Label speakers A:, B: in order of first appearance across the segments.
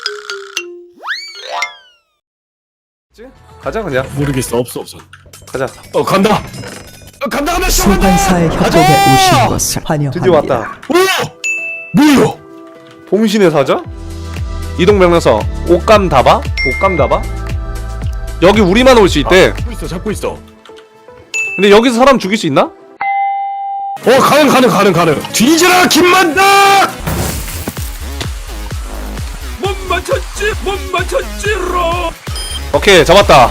A: 가자 그냥.
B: 모르겠어. 없어.
A: 가자.
B: 간다. 간다.
C: 소환사의 협곡에 오신 것을 환영합니다.
A: 드디어 왔다.
B: 뭐야?
A: 봉신의 사자? 이동 명령서. 옷감다바? 옷감다바? 여기 우리만 올 수 있대.
B: 잡고 있어.
A: 근데 여기서 사람 죽일 수 있나?
B: 가능. 뒤져라 김만다. 못 맞췄지로.
A: 오케이 잡았다.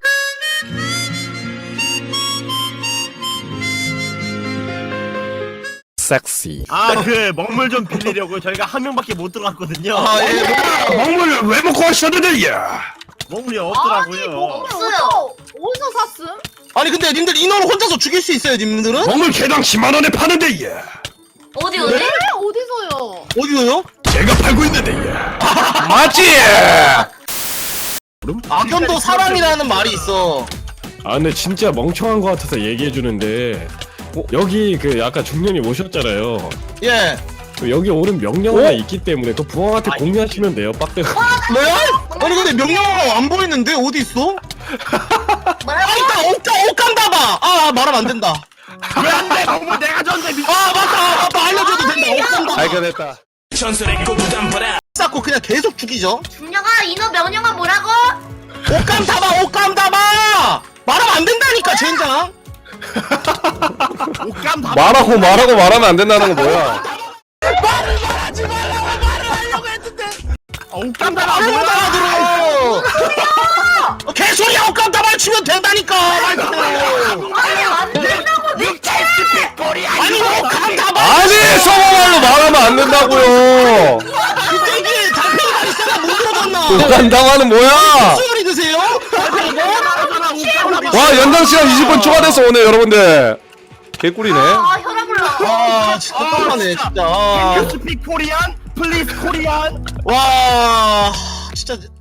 B: 섹시.
D: 그 먹물 좀 빌리려고 저희가 한 명밖에 못 들어갔거든요.
B: 먹물을 왜 먹고 하셨는데 야?
D: 먹물이 없더라고요.
E: 없어요. 어디서 샀음?
F: 아니 근데 님들 인원을 혼자서 죽일 수 있어요 님들은?
B: 먹물 개당 10만 원에 파는데 야.
E: 어디? 어디서요?
F: 어디서요?
B: 제가 팔고 있는데 야.
A: 맞지?
F: 악연도 사랑이라는 말이 있어.
B: 근데 진짜 멍청한 거 같아서 얘기해 주는데 여기 그 아까 중년이 오셨잖아요.
F: 예.
B: 여기 오는 명령어가 있기 때문에 그 부왕한테 공유하시면 돼요. 빡대가.
F: 뭐야? 아니 근데 명령어가 안 보이는데 어디 있어? 있다. 옷감 봐봐. 말하면 안 된다.
D: 왜 안 돼? 먹물 내가 줬는데.
F: 맞다. 알려줘도 된다. 옷감 봐봐.
A: 발견했다.
F: 쌓고 그냥 계속 죽이죠.
E: 중령아 인어 명령아 뭐라고?
F: 옷감 담아. 말하면 안 된다니까 젠장.
D: 옷감 다
A: 말하면 안 된다는 거 뭐야?
D: 옷감 다
F: 말을 못 알아들어. 개소리야. 옷감 담아 치면 된다니까.
E: 안 된다고
F: 아니 옷감 담아.
A: 아니 성어말로 말하면 안 된다고요.
F: 그때기 달팽이가 있어야 못 들어갔나?
A: 간당하는 뭐야?
F: 수요리 드세요?
A: 와 연장 시간 20분 추가돼서 오네 여러분들. 개꿀이네.
E: 혈압 올라.
F: 진짜 깜깜하네 진짜.
D: 스픽 코리안? 플리즈 코리안?
F: 와 진짜